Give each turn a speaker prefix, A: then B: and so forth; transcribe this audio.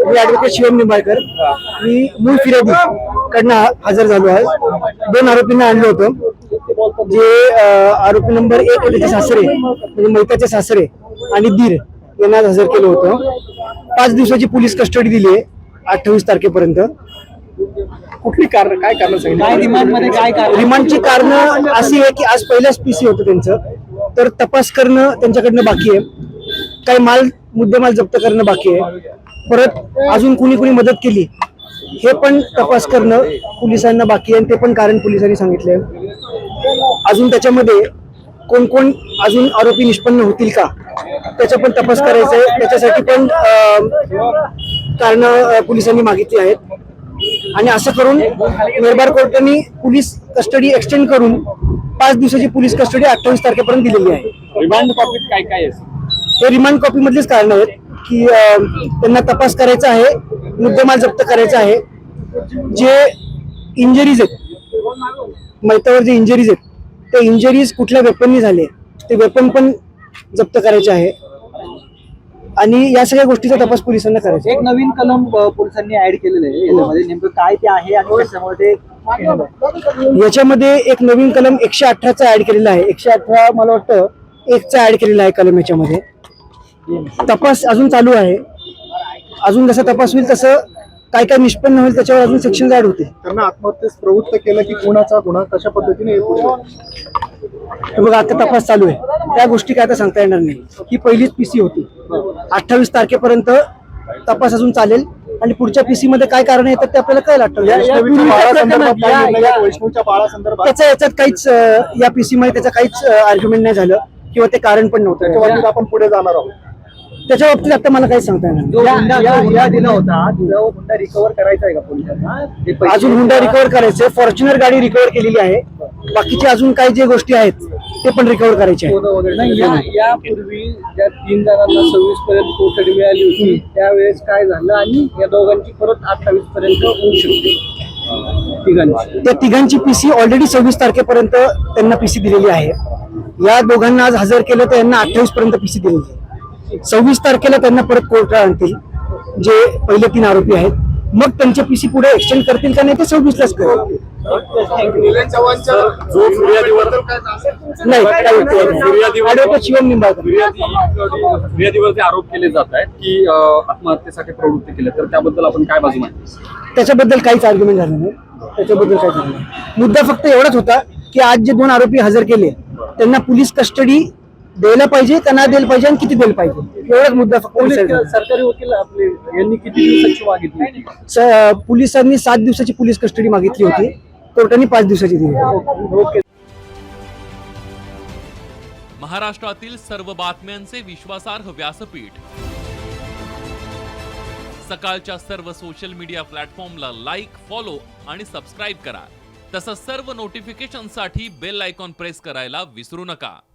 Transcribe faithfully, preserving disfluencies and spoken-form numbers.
A: मी advocate Shivam Nimbalkar. मी मूळ फिर्यादी कडनं हजर झालो आहे. दोन आरोपींना आणलं होतं. जे आरोपी नंबर एक होते ते सासरे म्हणजे मैताचे सासरे आणि दीर यांना हजर केलं होतं. पाच दिवसाची पोलीस कस्टडी दिली आहे अठ्ठावीस तारखेपर्यंत.
B: कुठली कारण काय कारण सांगितलं रिमांड मध्ये काय कारण?
A: रिमांडची कारण अशी आहे की आज पहिल्याच पीसी होतं त्यांचं, तर तपास करणं त्यांच्याकडनं बाकी आहे. काही माल मुद्देमाल जप्त करणं बाकी आहे. परत अजून कुणी कुणी मदत केली हे पण तपास करणं पोलिसांना बाकी आहे, आणि ते पण कारण पोलिसांनी सांगितले. अजून त्याच्यामध्ये कोण कोण अजून आरोपी निष्पन्न होतील का त्याचा पण तपास करायचा आहे. त्याच्यासाठी पण कारण पोलिसांनी मागितली आहेत. आणि असं करून मेहरबार कोर्टाने पोलीस कस्टडी एक्सटेंड करून पाच दिवसाची पोलीस कस्टडी अठ्ठावीस तारखेपर्यंत दिलेली आहे.
B: रिमांड कॉपीत काय काय आहे?
A: हे रिमांड कॉपी मधलेच कारण आहेत की त्यांना तपास करायचा आहे, मुद्देमाल जप्त करायचा आहे. जे इंजरीज आहेत मैतावर जे इंजरीज आहेत ते इंजरीज कुठल्या वेपननी झाले ते वेपन पण जप्त करायचे आहे. आणि या सगळ्या गोष्टीचा तपास पोलिसांना करायचा.
C: एक नवीन कलम पोलिसांनी ऍड केलेलं आहे याच्यामध्ये, नेमकं काय ते आहे आणि कशामुळे ते?
A: याच्यामध्ये एक नवीन कलम एकशे अठराचा ऍड केलेला आहे. एकशे अठरा मला वाटतं एकचा ऍड केलेला आहे कलम. याच्यामध्ये तपास अजून चालू आहे. अजून जसा तपास होईल तसं काय काय निष्पन्न होईल त्याच्यावर अजून सेक्शन ऍड होते.
B: त्यांना आत्महत्येस प्रवृत्त केलं की कोणाचा गुन्हा कशा पद्धतीने
A: बघ आता तपास चालू आहे, त्या गोष्टी काय आता सांगता येणार नाही. ही पहिलीच पीसी होती. अठ्ठावीस तारखेपर्यंत तपास अजून चालेल आणि पुढच्या पीसी मध्ये काय कारण येतात ते आपल्याला कळेल.
B: वैष्णवच्या बाळासंदर्भात
A: त्याच्या याच्यात काहीच या पीसी मध्ये त्याचं काहीच आर्ग्युमेंट नाही झालं किंवा ते कारण पण नव्हतं.
B: त्याच्या बाबतीत आपण पुढे जाणार आहोत.
A: त्याच्या बाबतीत आता मला काहीच सांगता येणार
C: जो हुंडा दिला होता तो हुंडा रिकव्हर करायचा आहे का पोलिसांना?
A: अजून हुंडा रिकव्हर करायचे. फॉर्च्युनर गाडी रिकव्हर केलेली आहे. बाकीचे अजून काही जे गोष्टी आहेत ते पण रिकव्हर करायचे आहेत.
C: यापूर्वी ज्या तीन जणांना सव्वीस पर्यंत कोठडी मिळाली होती त्यावेळेस काय झालं आणि या दोघांची परत अठ्ठावीस पर्यंत होऊ शकते तिघांची?
A: त्या तिघांची पीसी ऑलरेडी सव्वीस तारखेपर्यंत त्यांना पीसी दिलेली आहे. या दोघांना आज हजर केलं तर यांना अठ्ठावीस पर्यंत पीसी दिलेली आहे. सव्वीस तारखेला त्यांना परत कोर्टात आणतील जे पहिले तीन आरोपी आहेत. मग त्यांचे पीसी पुढे एक्सटेंड करतील का नाही ते सव्वीस लाच करतील. नाही ऍडव्होकेट शिवम निंबाळकर.
B: फिर्यादीवरती आरोप केले जात आहेत की आत्महत्येसाठी प्रवृत्ती केली, तर त्याबद्दल आपण काय बाजू मांडतो?
A: त्याच्याबद्दल काहीच आर्ग्युमेंट झालं नाही. त्याच्याबद्दल काय झालं नाही. मुद्दा फक्त एवढाच होता की आज जे दोन आरोपी हजर केले त्यांना पोलीस कस्टडी द्यायला पाहिजे का नाही द्यायला पाहिजे आणि किती द्यायला पाहिजे एवढाच मुद्दा फक्त.
C: सरकारी वकील आपले यांनी किती दिवसाची मागितली?
A: पोलिसांनी सात दिवसाची पोलीस कस्टडी मागितली होती, कोर्टाने पाच दिवसाची दिली.
D: महाराष्ट्रातील सर्व बातम्यांचे विश्वासार्ह व्यासपीठ सकाळच्या सर्व सोशल मीडिया प्लॅटफॉर्मला लाईक, फॉलो आणि सबस्क्राईब करा. तसंच सर्व नोटिफिकेशनसाठी बेल आयकॉन प्रेस करायला विसरू नका.